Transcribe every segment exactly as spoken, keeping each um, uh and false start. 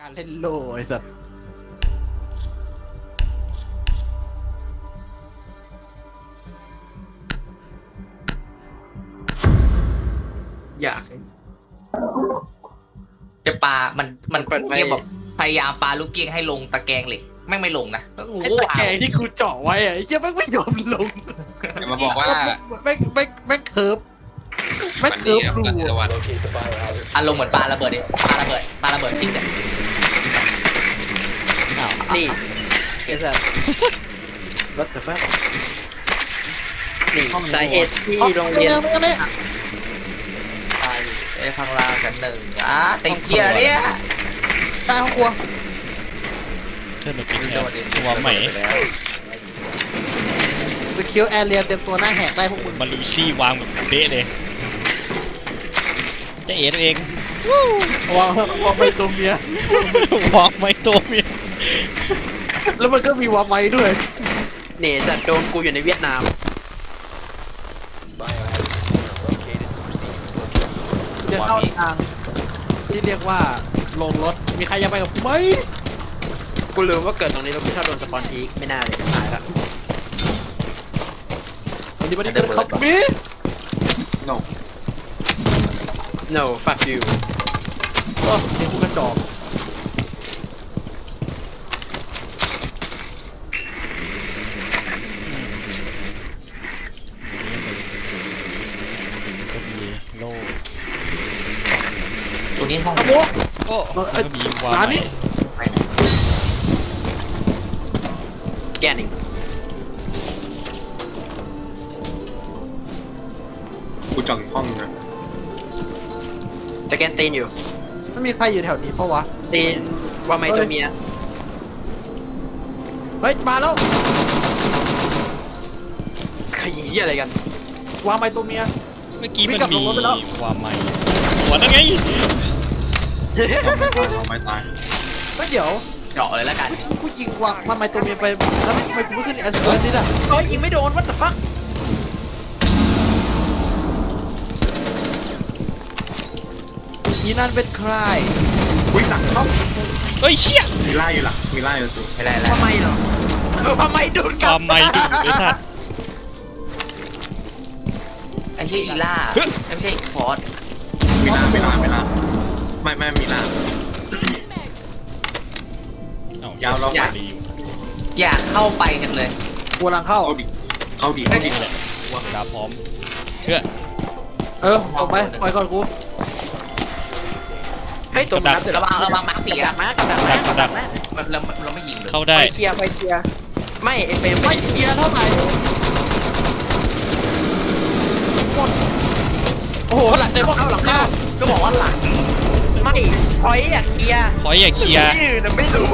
การเล่นโลไอ้สัตว์อยากจะปามันมันเปิดไฟเรียกแบบพยายามปาลูกเกี้ยงให้ลงตะแกรงเหล็กแม่งไม่ลงนะก็งูไอ้ตะแกรงที่กูเจาะไว้อะไอ้เหี้ยแม่งไม่ยอมลงอย่ามาบอกว่าแม่งแม่งแม่งเคิร์ฟแม่งวันเคินี้ร์ฟครับรูรัตอะวันอารมณ์เหมือนปาระเบิดดิปาระเบิดปาระเบิดซิกเนี่ยนี่ไอ้สัสรถแต่แฟนี่สาเหตุที่โรงเรียนไม่ไม่ไปไอ้ข้างล่างกันหนึ่งอ่ะติดเกียร์เนี่ยใต้ห้องครัวเชิญมากินแทนตัวใหม่สกิลแอร์เรียเต็มตัวหน้าแหกได้พวกมึงมาลูซี่วางแบบเป๊ะเลยจะเอ๋ตัวเองวางวางไปตัวเมียวางไม่ตัวเมียแล้วมันก็มีวางไม้ด้วยนี่สัตว์โดนกูอยู่ในเวียดนามจะเข้าทางที่เรียกว่าลงรถมีใครยังไปกับกูไหมกูลืมว่าเกิดตรงนี้แล้วกูชอบโดนสปอนทีกไม่น่าเลยตายละวันนี้วันนี้เดินเข้ามี no no fuck you ก็เห็นกูกระจอกก็มีโล่ตัวนี้ห้องขโมยโอ้ก็มีวางร้านนี้แกนิ่งกูจองห้องนะจะแกนตีนอยู่ไม่มีใครอยู่แถวนี้เพราะวะตีนว่าไม่ตัวเมียเฮ้ยมาแล้วขยี้อะไรกันวางไม้ตัวเมียเมื่อกี้มันวิ่งกลับมีลงรถไปแล้ววางใหม่หัวนั่นไงเอาไม่ตายไม่เดี๋ยวเจาะเลยแล้วกันกูยิงวางมันไม้ตัวเมียไปแล้วทำไมกูไม่ขึ้นแอสเซอร์ซิดอ่ะเฮ้ยยิงไม่โดน what the fuck อีนั่นเป็นใครอุ้ยหลังเข้าเฮ้ยเชี่ยมีไล่อยู่หลังมีไล่อยู่สิไม่ได้แล้วทำไมเหรอเออทำไมโดนกลัวาบงไม่ดูไอ้สัตว์ไอ้ที่อีล่าไม่ใช่ฟอสมีล่ามีล่ามีล่าไม่ไม่มีล่าเอ้ายาวแล้วดีอยู่อยากเข้าไปกันเลยกูกำลังเข้าเข้าดิเข้าดิเข้าดินี่แหละเวลาพร้อมเพื่อเออออกไปปล่อยก่อนกูเฮ้ยตัวมันนับเสร็จระแล้ววังระวังมาร์คสี่ดัอะกมากดักมากดักมากมันเราเราไม่ยิงเลยเข้าไปได้เคลียร์ไปเคลียร์ไม่ไอเฟรมไม่เคลียร์เท่าไหร่หมดโอ้โหหลังเต็มเข้าหลังหน้าเข้าก็บอกว่าหลังไม่พอยอยากเคลียร์ขออย่าเคลียร์ที่อื่นน่ะไม่รู้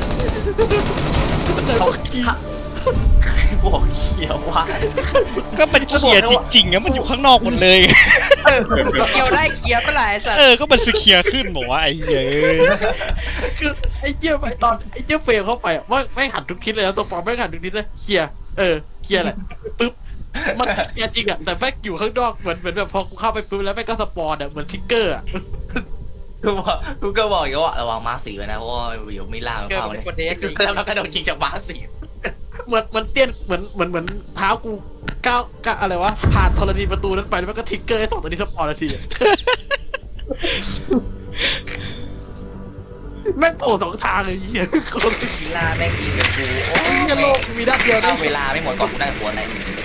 เขาบอกเขียวว่าก็มันเคลียร์จริงๆอะมันอยู่ข้างนอกหมดเลยเออเคลียร์ได้เคลียร์เมื่อไหร่สัตเอว์อก็มันสเคลียร์ขึ้นบอกว่าไอ้เหี้ยเอ้ยคือไอ้เจี๊ยบไปตอนไอ้เจี๊ยบเฟรมเข้าไปอ่ะว่าไม่หันทุกทิศเลยนะตัวปลอมไม่หันทุกทิศเลยเคลียร์เออเคลียร์แหละปึ๊บมันเคลียร์จริงอ่ะแต่แม่งอยู่ข้างนอกเหมือนเหมือนแบบพอกูเข้าไปปุ๊บแล้วแม่งก็สปอนอ่ะเหมือนทิกเกอร์อ่ะกูบอกกูก็บอกอยู่ว่าระวังมาร์คสี่ไว้นะเพราะว่าเดี๋ยวไม่ล่ามันเกิดเข้าเป็เนี่ยนคนเทสแล้วเราก็โดนยิงจากมาร์คสี่เหมือนเหมือนเตี้ยนเหมือนเหมือนเหมือนเท้ากูก้าวก้าวอะไรวะผ่านธรณีประตูนั้นไปแล้วมันก็ทิกเกอร์ให้สองตัวนี้สปอนนาทีอะแม่งโผล่สองทางเลยไอ้เหี้ยคนอีล่าแม่งยิงกับกูโอ้ไอ้เหี้ยโลกมีด้านเดียวได้เอาเวลาไม่หมดก่อนกูได้หัวไหน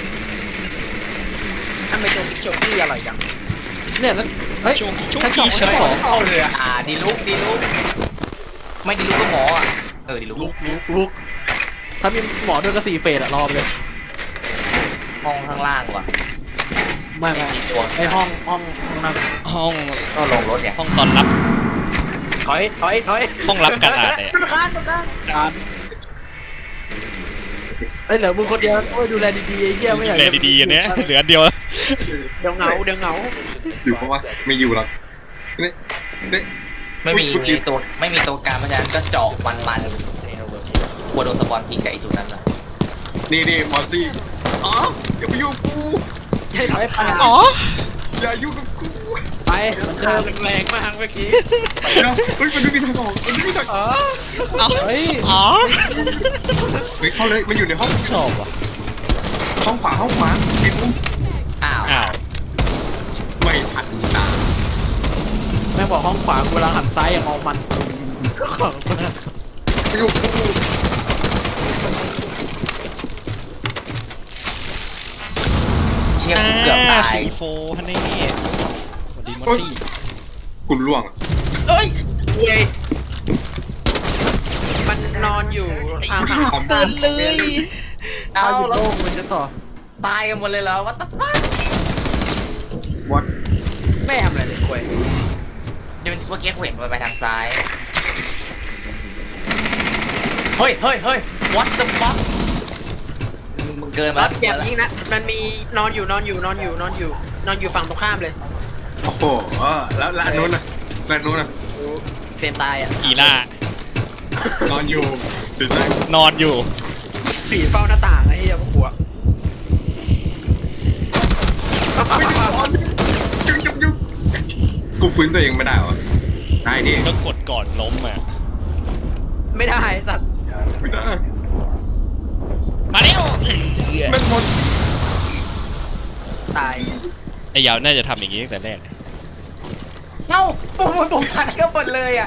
ทำไมโจมิกโจกี้อร่อยจังเนี่ยแล้วเฮ้ยช่วงช่วงชั้นสองที่ชั้นสองเข้าเรืออ่าดีลุกดีลุกไม่ดีลุกก็หมออ่ะเออดีลุกลุกลุกลุกถ้ามีหมอด้วยก็สี่เฟสอะรอไปเลยห้องข้างล่างว่ะไม่ไม่มีตัวไอห้องห้องห้องนั่งห้องก็ลงรถเนี่ยห้องตอนรับถอยถอยถอยห้องรับกระดาษเนี่ยทุกข้างทุกข้างการไอยเหลือมึงคนเดียวโอ้ยดูแลดีๆไอ้เหี้ยไม่อยากแลดีๆอันเนี้ยเหลืออันเดียวเดี๋ยวเหงาเดี๋ยวเหงาอยู่เพราะว่าไม่อยู่หรอกนี่นี่ไม่มีพูดจริงมีตัวไม่มีตัวการเพราะฉะนั้นก็เจาะมันมันๆกลัวโดนสปอนพิงกับไอ้ตัวนั้นนะนี่นี่มอสซี่อ๋ออย่าไปยุ่งกูใช่ถอยไอ้ปาอ๋ออย่ายุ่งกับกูไปมันเดิทางนแรงมากเมื่อกี้เดี๋ยวเฮ้ยมันไม่มีทางออกมันไม่มีทางออกอ๋อเฮ้ยอ๋อเฮ้ยเข้าเลยมันอยู่ในห้องชอบว่ะห้องขวาห้องขวาเห็นมุมอ้าวอ้าวไม่ทันตาแม่งบอกห้องขวากูเวลาหันซ้ายอย่างมองมันของมันอยู่เชี่ยกูเกือบตายสีโฟฮันนี่สวัสดีมอตตี้คุณล่วงเอ้ยเว้ยมันนอนอยู่อ่าถามเดินเลยเอาเอาอยู่แล้วโลกมันจะต่อตายกันหมดเลยเหรอวัตถุฟ้าวัดไม่ทำอะไรเลยเว้ยเดี๋ยวเมื่อกี้กูเห็นมันไปทางซ้ายเฮ้ยเฮ้ยเฮ้ย what the fuck มึงมึงเกินมาแล้แล้ว วอย่ายิงนะมันมีนอนอยู่นอนอยู่นอนอยู่นอนอยู่นอนอยู่ฝั่งตรงข้ามเลยโอ้โหเออแล้วแล้วอันนู้นน่ะแล้วอันนู้นน่ะเฟรมตายอ่ะอีล่านอนอยู่ติดได้นอนอยู่ผีเฝ้าหน้าต่างไอ้เหี้ยพวกหัวจุ๊บจุ๊บจุ๊บกูฟื้นตัวเองไม่ได้วะได้ดิก็กดก่อนล้มอ่ะไม่ได้ไอ้สัตว์ไม่ได้มาเร็วมันหมดตายไอ้ยาวน่าจะทำอย่างนี้ตั้งแต่แรกเอ้าปุ่มมันปุ่มทันก็หมดเลยอ่ะ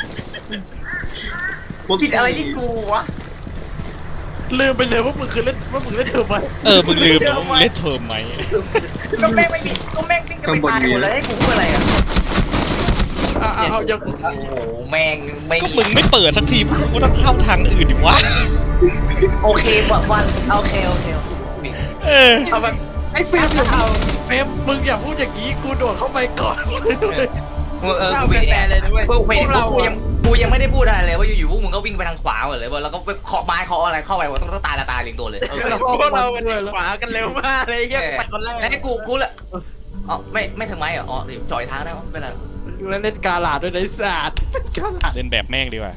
ผิดอะไรที่กูวะลืมไปเลยว่ามึงคือเล่นว่ามึงเล่นเธอไปเออมึงลืมแล้วว่ามึงเล่นเทอมไหมก็แม่งไม่มีก็แม่งวิ่งก็ไปตายหมดเลยให้กูพูดอะไรอ่ะอ่ะอ่ะเอายังโอ้โหแม่งไม่ก็มึงไม่เปิดสักทีมึงก็ต้องเข้าทางอื่นดิวะโอเควันวันโอเคโอเคเออเอาแบบไอ้เฟรมอย่าเอาเฟรมมึงอย่าพูดอย่างนี้กูโดดเข้าไปก่อนเลยด้วยเออเจ้ากูเป็นแฟนเลยนะเว้ยพวกพวกเรากูยังกูยังไม่ได้พูดอะไรเลยว่าอยู่ๆพวกมึงก็วิ่งไปทางขวาหมดเลยแล้วก็ไปเคาะไม้เคาะอะไรเข้าไปว่าต้องต้องตายละตายเรียงตัวเลยพวกเราเป็นขวากันเร็วมากเลยไอ้เหี้ยกูไปคนแรกแล้วกูกูละอ๋อไม่ไม่ถึงไม้เหรออ๋อจอยทางได้ปะไม่เป็นไรอยู่แล้วเล่นกาลาดด้วยนะไอ้สัตว์กาลาดเล่นแบบแม่งดีกว่า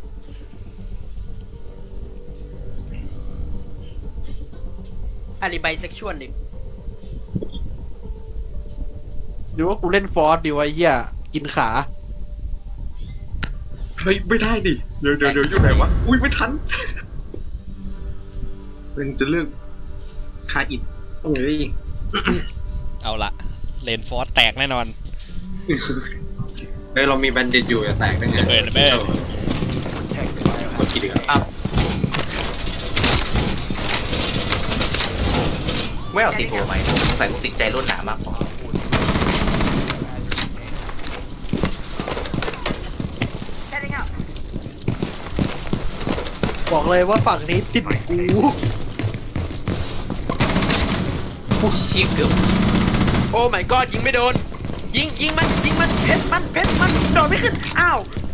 อาลีไบเซ็กชวลดิหรือว่ากูเล่นฟอร์สดีวะไอ้เหี้ยกินขาเฮ้ยไม่ได้ดิเดี๋ยวเดี๋ยวเดี๋ยวอยู่ไหนวะอุ้ยไม่ทันมันจะเลือกคาอิดโอ้ยเอาละเลนฟอร์สแตกแน่นอนเฮ้ยเรามีแบนเด็ดอยู่อย่าแตกได้ไงระเบิดระเบิดกดกี่ดีครับอ้าวไม่เอาติดหัวไหมใส่กูติดใจรุ่นหนามากกว่าบอกเลยว่าฝั่งนี้ติดกูผู้ชี้เกือบโอ้ my god ยิงไม่โดน ยิงยิงมันยิงมันเพชรมันเพชรมันโดดไม่ขึ้นอ้าว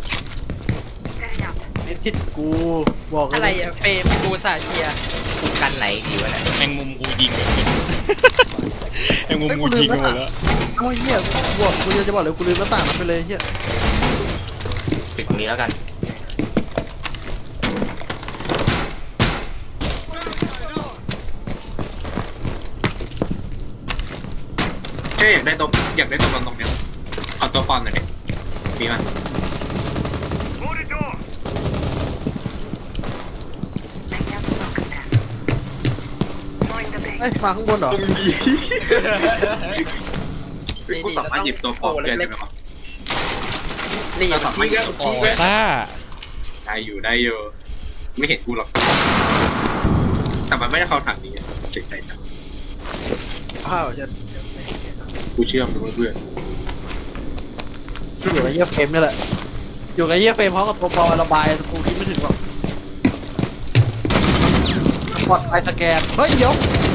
ไม่ติดกูบอกเลยอะไรอะเฟรมกูสาเชียร์กูกันไหนดีวะเนี่ยแมงมุมกูยิงเลยแมงมุมกูยิงไปหมดแล้วโอ้ยเหี้ยกูบอกกูจะบอกเลยกูลืมหน้าต่างมันไปเลยเหี้ยปิดตรงนี้แล้วกันแค่อยากได้ตัวอยากได้ตัวบอลตรงเนี้ยเอาตัวบอลหน่อยดิมีมั้ยไอ้ยมาข้างบนเหรอตรงนี้กูสามารถหยิบตัวปลอมได้ไหมวะนี่เราสามารถหยิบตัวปลอ๋ออมได้ซ่าได้อยู่ได้อยู่ไม่เห็นกูหรอกแต่มันไม่ได้เข้าทางนี้เจ๋งใจจังอ้าวจะกูเชื่อมึงเพื่อนอยู่กับไอ้เหี้ยเฟรมนี่แหละอยู่กับไอ้เหี้ยเฟรมเพราะกับตัวปอระบายกูคิดไม่ถึงหรอกปลอดไปสแกนเฮ้ยเดี๋ยว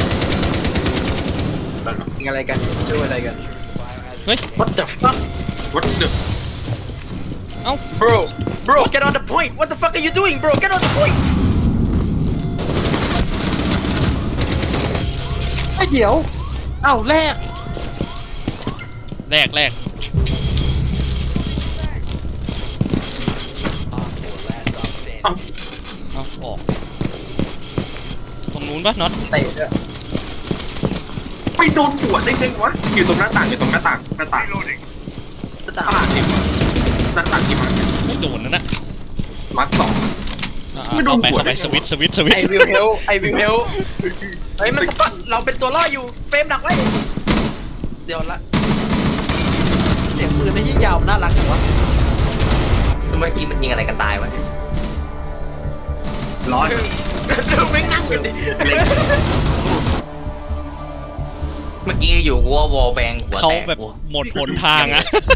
แล้วเนาะยิงอะไรกันช่วยอะไรกันเฮ้ยวัดจับฟักวัดเดือด bro bro get on the point what the fuck are you doing bro get on the point ไอ้เดี๋ยวเอ้าแรกแรกแรกเอ้าเอาออกตรงนู้นปะน็อตเตะด้วยไปโดนหัวได้ไงวะอยู่ตรงหน้าต่างอยู่ตรงหน้าต่างหน้าต่างสามตลาดนี่ตลาดที่มันไม่โดนนะนะมัดสองอ่าไม่โดนเข้าไปหัวเข้าไปได้ไงสวิตช์สวิตช์สวิตไอช์วิวเฮลไอวิวเฮลเฮ้ยมันสปอตเราเป็นตัวล่ออยู่เฟรมดักไว้เดี๋ยวละเสียงปืนในที่ยาวน่ารักจังวะเมื่อกี้มันยิงอะไรกันตายวะร้อนดูไม่นั่งกันดิเมื่อกี้อยู่วัววอลแบงหัวเขาแตกแบบหมดหนทางอะ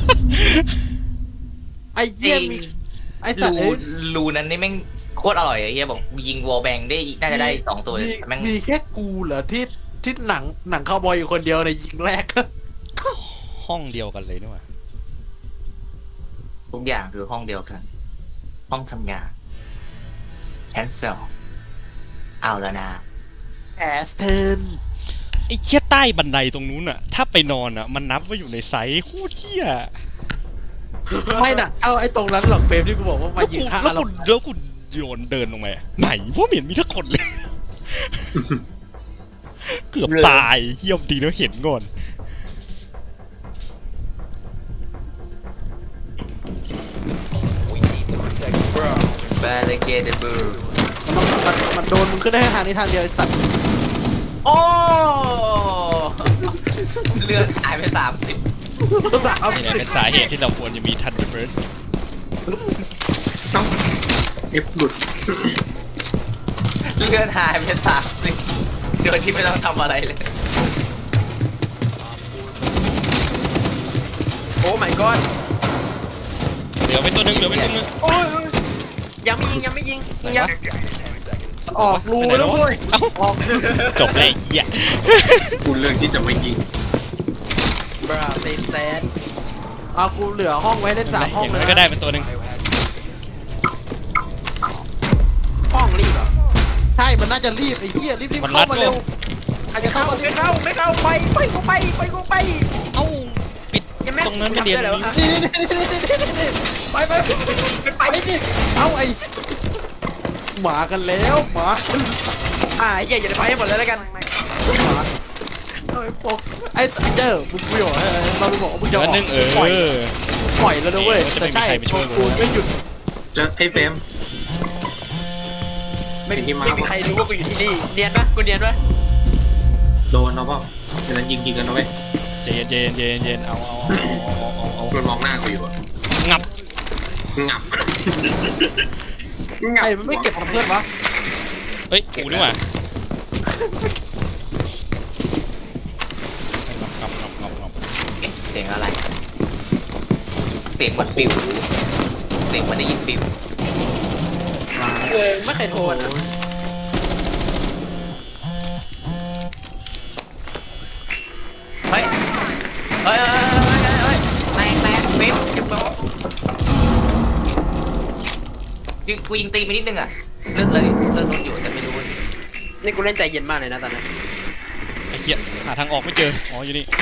ไอ้เหี้ยมีไอ้สัตรูว์เอ้ยรูนั้นนี่แม่งโคตรอร่อยไอ้เหี้ยบอกยิงวอลแบงได้น่าจะได้สองตัวเลยมีแต่แม่งมีแค่กูเหรอที่ที่หนังหนังคาวบอยอยู่คนเดียวในยิงแรกห้องเดียวกันเลยนี่หว่าทุกอย่างคือห้องเดียวกัน ห้องทำงานแคนเซิลเอาแล้วนะแอสเทนไอ้เชี่ยใต้บันไดตรงนู้นอะถ้าไปนอนอะมันนับว่าอยู่ในไซส์โคตรเที่ยไม่น่ะเอาไอ้ตรงนั้นหรอกเฟรมที่กูบอกว่ามาแล้วยิกูงฆ่าแล้วเรากูแล้วกูโยนเดินลงไปอะไหนว่าเหม็นมีทั้งคนเลย เกือบตายเยี่ยมดีนะเห็นก่อนบาริเกเดบูมันมันมันโดนมึงขึ้นได้แค่ทางนี้ทางเดียวไอ้สัตว์โอ้เลือดหายไปสามสิบภาษาเอานี่แหละเป็นสาเหตุที่เราควรจะมีทันเดอร์เบิร์ดเอ้าเอฟหลุดเลือดหายไปสามสิบโดยที่ไม่ต้องทำอะไรเลยโอ้ my god เหลือไปตัวหนึงเหลือไปตัวหนึงโอ้ยยังไม่ยิงยังไม่ยิงไหนยังวะออกรูแล้วเว้ยเอ้าออกจบเลยไอ้เหี้ยกูเลือกที่จะไม่ยิงบราเซนแซนเอากูเหลือห้องไว้ได้สามห้องอย่างเลน้ยอยก็นะได้เป็นตัวหนึงห้องรีบเหรอใช่มันน่าจะรีบไอ้เหี้ยรีบรีบมันรัเข้าดมาเร็วใครจะเข้าเข้ามาไม่เข้าไม่เข้าไปไปกูไปไปกูไปเอ้าปิดยังไม่ตรงนั้นไม่เรียนตรงนี้นี่นี่นี่นี่นี่นี่ไปไปไปไปดิเอาไอ้หมากันแล้วหมาอ่าไอ้เหี้ยอย่าไปให้หมดเลยแล้วกันหมาเอ้ยปกไอ้เจ้ามึงกูบอกให้เราไปบอกว่ามึงเดี๋จะยวออัอน กนึงเออปล่อยปล่อยแล้วนะเว้ยเดี๋ยวจะแต่ไม่มีใช่ใครมาช่วยกูกูไม่หยุดเจอไอ้เฟรมไม่ไอ้ที่มาไม่มีใครรู้ว่ากูอยู่ที่นี่เนียนปะกูเนียนปะโดนเอาเปล่าฉะนั้นยิงยิงกันเอาไว้เจนเจนเจนเจนเอาเอาเอาเอาเอามันมองหน้ากูอยู่อะงับงับไอ้มันไม่เก็บกับเพื่อนวะเฮ้ยกูนี่หว่างับงับงับงับเอ๊ะเสียงอะไร เสียงเหมันฟิวเสียงเหมันได้ยินฟิวเออไม่เคยโทรนะเฮ้ย เฮ้ยเฮ้ยเฮ้ยเฮ้ยแตกแตกฟิวเก็บตัวยิงกูยิงตีไปนิดนึงอ่ะเลือดเลยเลือดลดอยู่แต่ไม่รู้นี่กูเล่นใจเย็นมากเลยนะตอนนั้นไอ้เหี้ยหาทางออกไม่เจออ๋ออยู่นี่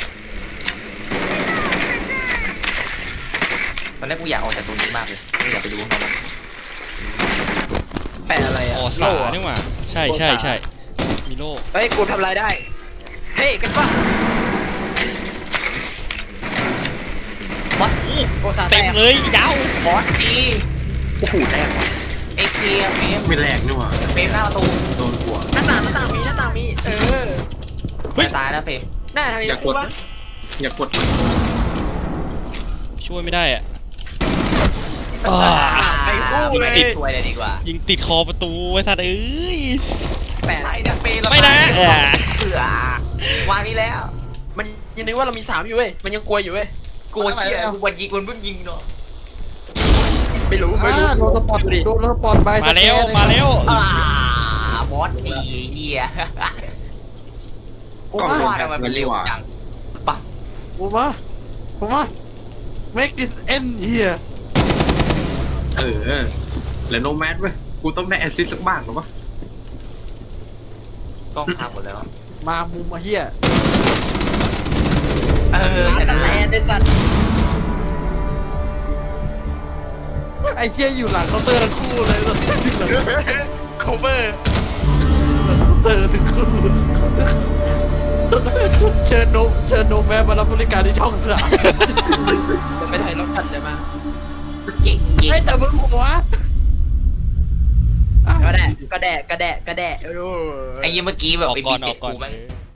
ตอนแรกกูอยากออกจากตรงนี้มากเลยไม่อยากไปดูข้างนอกแปะอะไรอะอ๋อสานี่หว่าใช่ใช่ใช่มีโล่เฮ้ยกูทำอะไรได้เฮ้ยกันปะวัดโอซาแตเต็มกเลยยาวบอสจีโอ้โหแรกว่ะเอเคลียร์เฟรมไม่แรกนี่หว่าเฟรมหน้าประตูโดนหัวหน้าต่างหน้าต่างมีหน้าต่างมีเออเฮ้ยจะตายแล้วเฟรมหน้าทางนี้อย่ากดวะอย่ากดช่วยไม่ได้อะไปคู่ยิงเลยติดช่วยเลยดีกว่ายิงติดคอประตูไว้ทัดเอ้ยแปะไรเนี่ยเฟรมไม่นะเออเสือวางนี้แล้วมันยังนึกว่าเรามีสามอยู่เว้ยมันยังกลัวอยู่เว้ยกลัวเชี่ยกูวันยิงวันเพิ่งยิงเนาะไม่รู้ไม่รู้อ่าโดนสปอตดูดิโดนสปอตใบมาแล้วมาแล้วอ่าบอสดีเฮียโอ้ก็มาว่าทำไมมันเร็วจังปะโอ้มาโอ้มา make this end here เออแล้วโนแมสเว้ยกูต้องได้แอสซิสต์สักบ้างหรอวะกล้องพังหมดแล้วมามุมมาเฮียเออร้านสแตนไอ้สัตว์ไอ้เฮียอยู่หลังเคาน์เตอร์ทั้งคู่เลยหลังเคาน์โคเวอร์เตอร์ทั้งคู่เชิญโนเชิญโนแม่มารับบริการที่ช่องสามจะไปไทยรถกันเลยมายิงยิงไอ้แต่มึงหัวก็แดะก็แดะก็แดะก็แดะไอ้ยี่เมื่อกี้แบบออกไอ้ก่อบีนอเจ็อดกก่อนกูแม่ง